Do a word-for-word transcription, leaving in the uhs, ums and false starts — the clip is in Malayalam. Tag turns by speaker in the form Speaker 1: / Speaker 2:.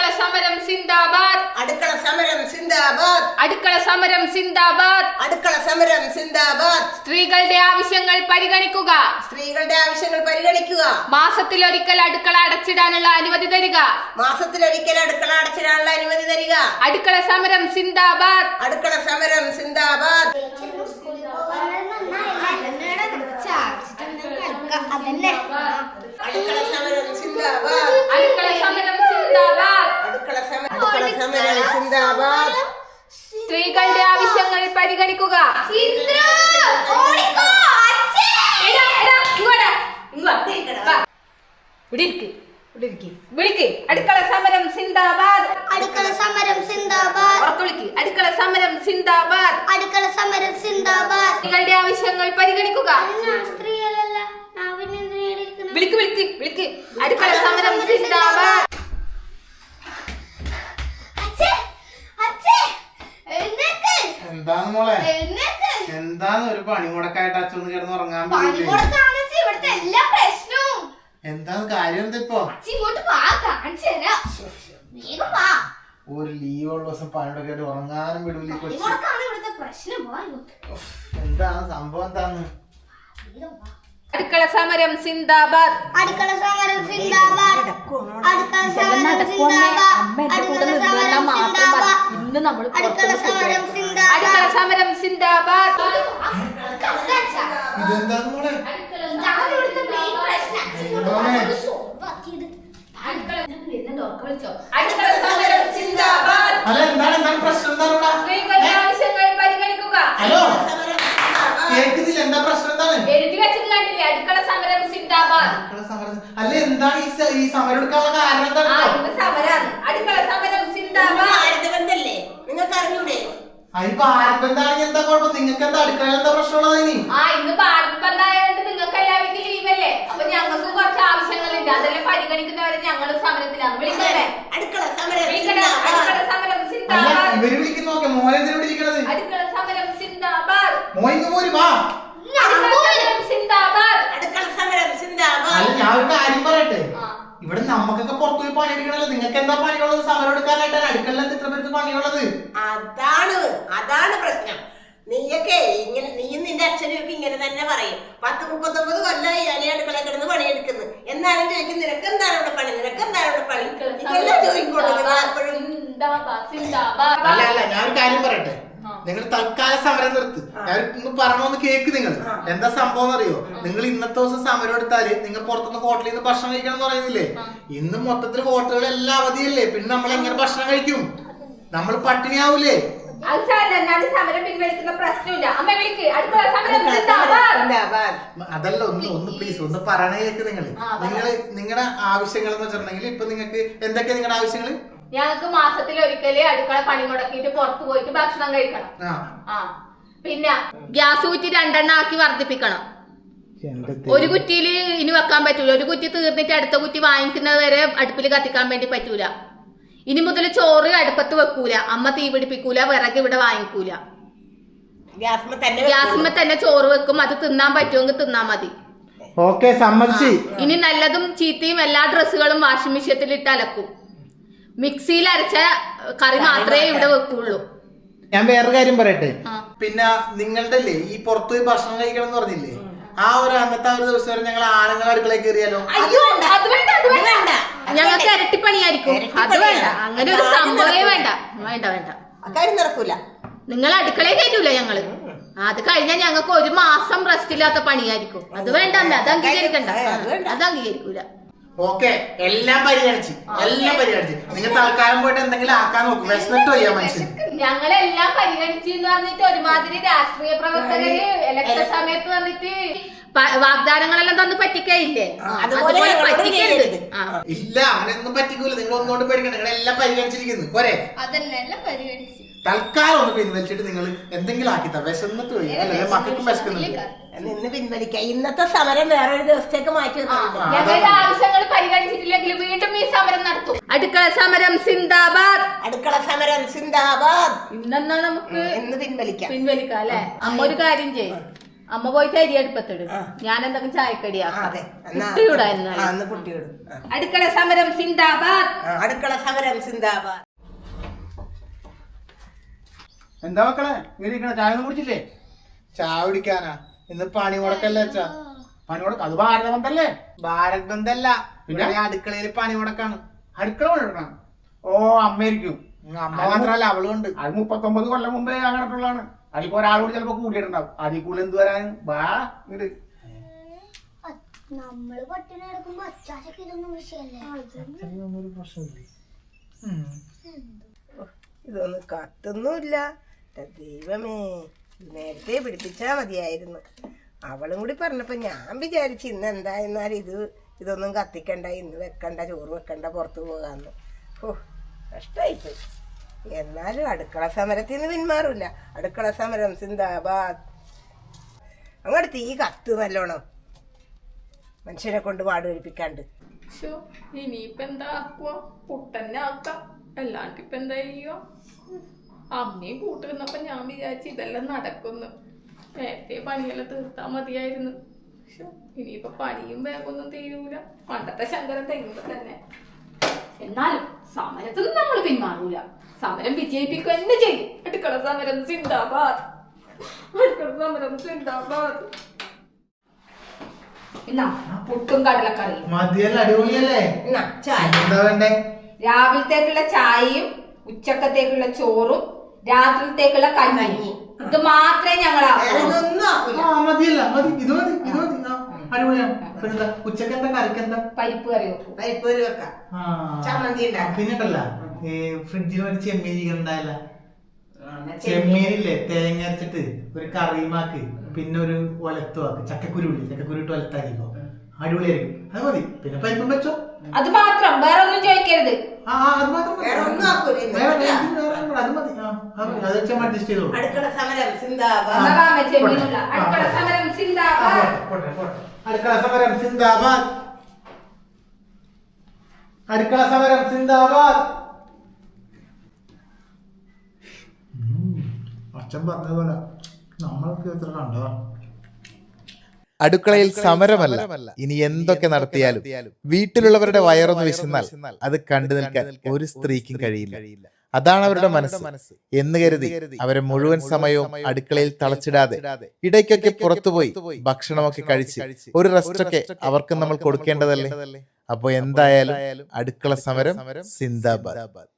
Speaker 1: അടുക്കള സമരം സിന്ദാബാദ്.
Speaker 2: അടുക്കള സമരം സിന്ദാബാദ്.
Speaker 1: അടുക്കള സമരം സിന്ദാബാദ്.
Speaker 2: അടുക്കള സമരം സിന്ദാബാദ്.
Speaker 1: സ്ത്രീകളുടെ ആവശ്യങ്ങൾ പരിഗണിക്കുക.
Speaker 2: സ്ത്രീകളുടെ ആവശ്യങ്ങൾ പരിഗണിക്കുക.
Speaker 1: മാസത്തിലൊരിക്കൽ അടുക്കള അടച്ചിടാനുള്ള അനുമതി തരിക.
Speaker 2: മാസത്തിലൊരിക്കൽ അടുക്കള അടച്ചിടാനുള്ള അനുമതി തരിക.
Speaker 1: അടുക്കള സമരം സിന്ദാബാദ്.
Speaker 2: അടുക്കള സമരം സിന്ദാബാദ്. അടുക്കള സമരം സിന്ദാബാദ്.
Speaker 1: അടുക്കള സമരം സിന്ദാബാദ്.
Speaker 2: അടുക്കള സമരം സിന്ദാബാദ്.
Speaker 1: സ്ത്രീകളുടെ ആവശ്യങ്ങൾ പരിഗണിക്കുക. വിളിക്ക്. അടുക്കള സമരം സിന്ദാബാദ്.
Speaker 3: അടുക്കള സമരം സിന്ദാബാദ്.
Speaker 1: ഉറക്കെ അടുക്കള സമരം സിന്ദാബാദ്.
Speaker 3: അടുക്കള സമരം സിന്ദാബാദ്.
Speaker 1: സ്ത്രീകളുടെ ആവശ്യങ്ങൾ പരിഗണിക്കുക.
Speaker 3: സ്ത്രീകളല്ല
Speaker 1: വിളിക്ക് വിളിക്ക് വിളിക്ക്. അടുക്കള സമരം സിന്ദാബാദ്.
Speaker 4: എന്താണ് മോളെ? എന്താണ് ഒരു പണിമുടക്കായിട്ട് അച്ഛൻ കിടന്ന് ഉറങ്ങാൻ എന്താണ് കാര്യം? എന്താ ഇപ്പൊ ഒരു ലീവ് ഉള്ള ദിവസം പണിമുടക്ക ആയിട്ട് ഉറങ്ങാനും വിടൂല കൊച്ചു. എന്താണ് സംഭവം? എന്താണ്?
Speaker 1: അടുക്കള സമരം സിന്ദാബാദ്.
Speaker 3: അടുക്കള സമരം സിന്ദാബാദ്. അടുക്കള സമരം സിന്ദാബാദ്. അടുക്കള സമരം സിന്ദാബാദ്.
Speaker 1: ഇന്ന് നമ്മൾ
Speaker 3: അടുക്കള സമരം സിന്ദാബാദ്.
Speaker 1: അടുക്കള സമരം സിന്ദാബാദ്.
Speaker 4: ഇതെന്താണ് മോളെ?
Speaker 1: അടുക്കള സമരം സിന്ദാബാദ്.
Speaker 4: അല്ല എന്താണ് എന്താണ് പ്രശ്നം? എന്താണ്?
Speaker 1: സ്ത്രീകളുടെ ആവശ്യങ്ങൾ പരിഗണിക്കുക.
Speaker 4: ഹലോ കേൾക്കുന്നില്ല. എന്താ പ്രശ്നം? എന്താണ്
Speaker 1: എഴുതി വെച്ചത് കണ്ടില്ലേ? അടുക്കള സമരം സിന്ദാബാദ്.
Speaker 4: അല്ല എന്താണ് ഈ സമരം എടുക്കാനുള്ള കാരണം? എന്താണ്
Speaker 1: സമരാണ് അടുക്കള സമരം സിന്ദാബാദ്.
Speaker 2: ബന്ധല്ലേ നിങ്ങൾക്ക് അറിഞ്ഞൂടെ?
Speaker 4: അതിപ്പോ ആർക്കെന്താണെങ്കിൽ എന്താ കുഴപ്പം? നിങ്ങൾക്ക് എന്താ അടുക്കളയിൽ എന്താ പ്രശ്നമുള്ളത്? ഇനി
Speaker 1: ആ ഇന്ന് ഭാരത് ബന്ധായോണ്ട് നിങ്ങൾക്ക് എല്ലാവർക്കും ലീവല്ലേ? അപ്പൊ ഞങ്ങൾക്ക് കുറച്ച് ആവശ്യങ്ങളുണ്ട്. അതെല്ലാം പരിഗണിക്കുന്നവരെ ഞങ്ങളും സമരത്തിലാണ്. വിളിക്കണേ.
Speaker 2: അടുക്കള സമരം
Speaker 1: അടുക്കള സമരം സിന്ദാബാദ്.
Speaker 4: ഇവര് വിളിക്കുന്ന നോക്കെ മോനെ എന്തിനോട് ഇരിക്കണത്?
Speaker 1: അടുക്കള സമരം സിന്ദാബാദ്.
Speaker 4: മോയിന്ന് പോര് വാ.
Speaker 1: സിന്ദാബാദ്.
Speaker 2: അടുക്കള സമരം സിന്ദാബാദ്.
Speaker 4: അല്ല ഞാൻ ഒരു കാര്യം പറയട്ടെ. ഇവിടെ നമുക്കൊക്കെ പുറത്തു പോയി പണിയെടുക്കണല്ലോ. നിങ്ങൾക്ക് എന്താ പണിയുള്ളത്? സമരം എടുക്കാനായിട്ടാണ് അടുക്കളയിൽ ഇത്ര പേർക്ക് പണിയുള്ളത്.
Speaker 2: അതാണ് അതാണ് പ്രശ്നം. നീയൊക്കെ ഇങ്ങനെ നീയും നിന്റെ അച്ഛനും ഒക്കെ ഇങ്ങനെ തന്നെ പറയും. പത്ത് മുപ്പത്തൊമ്പത് കൊല്ലമായി ഞാൻ അടുക്കള കിടന്ന് പണിയെടുക്കുന്നു. എന്നാലും ചോദിക്കും നിനക്ക് എന്താണ് ഇവിടെ പണി? നിനക്ക് എന്താണ് ഇവിടെ പണി? ഇതെല്ലാം ചോദിക്കോളൂ നിങ്ങൾ എപ്പോഴും.
Speaker 4: അല്ല അല്ല ഞാൻ ഒരു കാര്യം പറയട്ടെ. നിങ്ങൾ തൽക്കാല സമരം നിർത്ത്. ഞാൻ ഒന്ന് പറയണമെന്ന് കേക്ക്. നിങ്ങൾ എന്താ സംഭവം എന്നറിയോ? നിങ്ങൾ ഇന്നത്തെ ദിവസം സമരം എടുത്താല് നിങ്ങൾ പുറത്തുനിന്ന് ഹോട്ടലിൽ നിന്ന് ഭക്ഷണം കഴിക്കണം എന്ന് പറയുന്നില്ലേ? ഇന്ന് മൊത്തത്തിൽ ഹോട്ടലുകൾ എല്ലാം അവധിയല്ലേ? പിന്നെ നമ്മൾ എങ്ങനെ ഭക്ഷണം കഴിക്കും? നമ്മൾ പട്ടിണിയാവൂലേ?
Speaker 1: സമരം പിൻവലിക്കുന്ന പ്രശ്നമില്ല. അമ്മ വിളിക്ക്.
Speaker 4: അതല്ല ഒന്ന് ഒന്ന് പ്ലീസ് ഒന്ന് പറയണ കേക്ക്. നിങ്ങൾ നിങ്ങൾ നിങ്ങളുടെ ആവശ്യങ്ങൾ എന്ന് വെച്ചിട്ടുണ്ടെങ്കിൽ ഇപ്പൊ നിങ്ങൾക്ക് എന്തൊക്കെയാ നിങ്ങളുടെ ആവശ്യങ്ങൾ?
Speaker 1: ഞങ്ങൾക്ക് മാസത്തിൽ ഒരിക്കല് അടുക്കള പണി മുടക്കിയിട്ട് പുറത്തു പോയിട്ട് ഭക്ഷണം കഴിക്കണം. ആ പിന്നെ ഗ്യാസ് കുറ്റി രണ്ടെണ്ണം ആക്കി വർദ്ധിപ്പിക്കണം. ഒരു കുറ്റിയിൽ ഇനി വെക്കാൻ പറ്റൂല. ഒരു കുറ്റി തീർന്നിട്ട് അടുത്ത കുറ്റി വാങ്ങിക്കുന്നത് വരെ അടുപ്പിൽ കത്തിക്കാൻ വേണ്ടി പറ്റൂല. ഇനി മുതൽ ചോറ് അടുപ്പത്ത് വെക്കൂല. അമ്മ തീ പിടിപ്പിക്കൂല. വിറക് ഇവിടെ വാങ്ങിക്കൂല. ഗ്യാസ്മ തന്നെ ചോറ് വെക്കും. അത് തിന്നാൻ പറ്റുമെങ്കിൽ തിന്നാ മതി.
Speaker 4: ഓക്കെ സമ്മതിച്ചു.
Speaker 1: ഇനി നല്ലതും ചീത്തയും എല്ലാ ഡ്രസ്സുകളും വാഷിംഗ് മെഷീനിൽ ഇട്ട് അലക്കും. മിക്സിയിൽ അരച്ച കറി മാത്രമേ ഇവിടെ വെക്കുള്ളൂ.
Speaker 4: ഞാൻ വേറൊരു കാര്യം പറയട്ടെ. പിന്നെ നിങ്ങളുടെ അല്ലേ ഈ പുറത്തുപോയി ഭക്ഷണം കഴിക്കണം എന്ന് പറഞ്ഞില്ലേ? ആ ഒരു അന്നത്തെ ഒരു ദിവസം വരെ ഞങ്ങൾ ആണുങ്ങൾ അടുക്കളയിൽ കയറിയാലോ?
Speaker 1: ഞങ്ങൾക്ക് ഇരട്ടിപ്പണിയായിരിക്കും. അത് വേണ്ട. അങ്ങനെ ഒരു സംഭവമേ വേണ്ട. വേണ്ട വേണ്ട
Speaker 2: കാര്യം നടക്കൂല.
Speaker 1: നിങ്ങൾ അടുക്കളയിൽ കയറ്റൂല ഞങ്ങള്. അത് കഴിഞ്ഞാൽ ഞങ്ങൾക്ക് ഒരു മാസം റെസ്റ്റ് ഇല്ലാത്ത പണിയായിരിക്കും. അത് വേണ്ട. അത് അംഗീകരിക്കണ്ട. അത് അംഗീകരിക്കൂല.
Speaker 4: ഓക്കെ എല്ലാം പരിഗണിച്ച് എല്ലാം പരിഗണിച്ച് നിങ്ങൾ തൽക്കാലം പോയിട്ട് എന്തെങ്കിലും ആക്കാൻ നോക്കും. വിശന്നിട്ട് വയ്യ മനുഷ്യൻ.
Speaker 1: ഞങ്ങളെല്ലാം പരിഗണിച്ചു എന്ന് പറഞ്ഞിട്ട് ഒരുമാതിരി രാഷ്ട്രീയ പ്രവർത്തകര് ഇലക്ഷൻ സമയത്ത് വന്നിട്ട് വാഗ്ദാനങ്ങളെല്ലാം തന്ന് പറ്റിക്കയില്ലേ? അതുപോലെ പറ്റിക്കരുത്.
Speaker 4: ഇല്ല അങ്ങനെയൊന്നും പറ്റിക്കൂല. നിങ്ങൾ ഒന്നുകൊണ്ട് പേടിക്കണ്ട. നിങ്ങൾ എല്ലാം പരിഗണിച്ചിരിക്കുന്നു പോരെ?
Speaker 3: അതെല്ലാം പരിഗണിച്ചു.
Speaker 4: തൽക്കാലം ഒന്ന് പിൻവലിച്ചിട്ട് നിങ്ങൾ എന്തെങ്കിലും ആക്കിത്താ. വിശന്നിട്ട് പോയി അല്ലെ? മക്കൾക്കും വിശക്കുന്നുണ്ട്.
Speaker 2: നിന്ന് പിൻവലിക്കാം. ഇന്നത്തെ സമരം വേറൊരു ദിവസത്തേക്ക് മാറ്റി
Speaker 1: ഞങ്ങളുടെ ആവശ്യങ്ങൾ പരിഗണിച്ചിട്ടില്ലെങ്കിൽ വീണ്ടും ഈ സമരം നടത്തും. അടുക്കള സമരം സിന്ദാബാദ്.
Speaker 2: അടുക്കള സമരം സിന്ദാബാദ്.
Speaker 1: ഇന്നെന്നാ നമുക്ക്
Speaker 2: ഇന്ന് പിൻവലിക്കാം.
Speaker 1: പിൻവലിക്കാം അല്ലെ? അമ്മ ഒരു കാര്യം ചെയ്യും. അമ്മ പോയിട്ട് അരി അടുപ്പത്തിടും, ഞാൻ എന്തെങ്കിലും ചായക്കടിയാക്കാം.
Speaker 2: അതെ
Speaker 1: കുട്ടിയുടെ എന്നാൽ.
Speaker 2: ആ, അന്ന് കുട്ടിയോട് ആ.
Speaker 1: അടുക്കള സമരം സിന്ദാബാദ്.
Speaker 2: ആ, അടുക്കള സമരം സിന്ദാബാദ്.
Speaker 5: എന്താ മക്കളെ ഇരിക്കണ ചായ ഒന്നും കുടിച്ചില്ലേ?
Speaker 4: ചായ കുടിക്കാനാ ഇന്ന് പണി മുടക്കല്ലേ അച്ഛാ?
Speaker 5: പണി കൊടുക്ക അത് ഭാരത ബന്ധല്ലേ?
Speaker 4: ഭാരത് ബന്ധല്ല,
Speaker 5: പിന്നെ?
Speaker 4: പിന്നെ അടുക്കളയിൽ പണി മുടക്കാണ്.
Speaker 5: അടുക്കള പണിയെടുക്കണം. ഓ അമ്മയായിരിക്കും.
Speaker 4: അമ്മ മാത്രല്ല അവളും ഉണ്ട്.
Speaker 5: അത് മുപ്പത്തൊമ്പത് കൊല്ലം മുമ്പേ അങ്ങനെയുള്ളതാണ്. അതിപ്പോ ഒരാളോട് ചിലപ്പോ കൂടിയിട്ടുണ്ടാവും. അതിൽ കൂടുതൽ എന്ത് വരാൻ വാ ഇങ്ങട്.
Speaker 3: നമ്മള് പട്ടിണി കിടക്കുമ്പോ അച്ചാച്ചക്ക് ഇതൊന്നും വിഷയല്ലേ?
Speaker 2: ഇതൊന്നും കത്തൊന്നുമില്ല. ദൈവമേ, നേരത്തെ പിടിപ്പിച്ചാ മതിയായിരുന്നു. അവളും കൂടി പറഞ്ഞപ്പോ ഞാൻ വിചാരിച്ചു ഇന്ന് എന്തായിരുന്നാലും ഇത് ഇതൊന്നും കത്തിക്കണ്ട, ഇന്ന് വെക്കണ്ട, ചോറ് വെക്കണ്ട, പുറത്തു പോകാന്ന്. ഓ കഷ്ടായിപ്പോയി. എന്നാലും അടുക്കള സമരത്തിൽ നിന്ന് പിന്മാറില്ല. അടുക്കള സമരം സിന്ദാബാദ്. അങ്ങോട്ട് തീ കത്ത് നല്ലോണം, മനുഷ്യനെ കൊണ്ട് പാട് കഴിപ്പിക്കാണ്ട്.
Speaker 1: ഇനിയിപ്പ എന്താ ആക്കുക? പുട്ടന്നെ ആക്കാം, അല്ലാണ്ട് ഇപ്പൊ എന്താ ചെയ്യുക? അമ്മയും കൂട്ട് നിന്നപ്പോ ഞാൻ വിചാരിച്ചു ഇതെല്ലാം നടക്കുന്നു, നേരത്തെ പണിയെല്ലാം തീർത്താ മതിയായിരുന്നു. ശ്ശോ, ഇനിയിപ്പൊ പണിയും വേഗമൊന്നും തീരൂല. പണ്ടത്തെ ശങ്കരൻ തെങ്ങുമ്പോ തന്നെ. എന്നാലും സമരത്തിൽ നിന്ന് നമ്മൾ പിന്മാറൂല, സമരം വിജയിപ്പിക്കുക തന്നെ ചെയ്യും. അടുക്കള സമരം സിന്ദാബാദ്, അടുക്കള സമരം സിന്ദാബാദ്. എന്നാ പുട്ടും കടലക്കറിയും
Speaker 4: മതിയല്ല, അടിപൊളിയല്ലേ?
Speaker 2: എന്നാ ചായ.
Speaker 4: എന്താ വേണ്ടേ?
Speaker 1: രാവിലത്തേക്കുള്ള ചായയും ഉച്ചക്കത്തേക്കുള്ള ചോറും രാത്രിത്തേക്കുള്ള കഞ്ഞിയും, ഇത് മാത്രമേ ഞങ്ങൾ
Speaker 2: വേറെ ഒന്നും ആക്കൂല.
Speaker 4: ആ മതിയല്ല, മതി, ഇത് മതി, ഇത് മതി. ആ, അടിപൊളിയാണ്. പിന്നെന്താ ഉച്ചക്ക് എന്താ കറിക്കെന്താ?
Speaker 1: പരിപ്പ് കറി വെക്കും.
Speaker 2: പരിപ്പൊരു വെക്കാം,
Speaker 4: ആ,
Speaker 2: ചമ്മന്തി ഉണ്ടാക്കാം.
Speaker 4: പിന്നിട്ടല്ല ഈ ഫ്രിഡ്ജിൽ ഒരു ചെമ്മീൻ ഉണ്ടായില്ല, ചെമ്മീനില്ലേ തേങ്ങ അരച്ചിട്ട് ഒരു കറിയുമാക്ക്, പിന്നെ ഒരു ഒലത്തുമാക്ക്, ചക്കക്കുരുവില്ലേ, ചക്കക്കുരു ഇട്ട് ഒലത്താക്കിക്കോ, അടിപൊളിയായിരിക്കും. അത് മതി. പിന്നെ പരിപ്പും വെച്ചോ.
Speaker 1: അത് മാത്രം, വേറെ ഒന്നും ചോദിക്കരുത്.
Speaker 4: ആ ആ, അത് മാത്രം മതി.
Speaker 2: വേറെ ഒന്നും ആക്കൂല ഇന്ന്.
Speaker 4: വേറെ വേറെ ഒന്നും കൂടെ, അത് മതി. ആ, അത് മതി. അത് വെച്ചാൽ അഡ്ജസ്റ്റ് ചെയ്തോളൂ.
Speaker 2: അടുക്കള സമരം സിന്ദാബാദ്.
Speaker 1: എന്നാ വാ, അമ്മേ, ചെമ്മീനുള്ള അടുക്കള സമരം
Speaker 4: ആ,
Speaker 1: സിന്ദാബാദ്.
Speaker 4: പോട്ടെ, പോട്ടെ, പോട്ടെ. അടുക്കള സമരം സിന്ദാബാദ്, അടുക്കള സമരം സിന്ദാബാദ്. അച്ഛൻ പറഞ്ഞതുപോലെ നമ്മളൊക്കെ എത്ര കണ്ടോ?
Speaker 6: അടുക്കളയിൽ സമരമല്ല, ഇനി എന്തൊക്കെ നടത്തിയാലും വീട്ടിലുള്ളവരുടെ വയറൊന്ന് വിശന്നാൽ അത് കണ്ടു നിൽക്കാൻ ഒരു സ്ത്രീക്കും കഴിയില്ല. അതാണ് അവരുടെ മനസ്സ് എന്ന് കരുതി അവരെ മുഴുവൻ സമയവും അടുക്കളയിൽ തളച്ചിടാതെ ഇടയ്ക്കൊക്കെ പുറത്തുപോയി ഭക്ഷണമൊക്കെ കഴിച്ച് ഒരു റെസ്റ്റൊക്കെ അവർക്ക് നമ്മൾ കൊടുക്കേണ്ടതല്ലേ. അപ്പൊ എന്തായാലും അടുക്കള സമരം സിന്ദാബാദ്.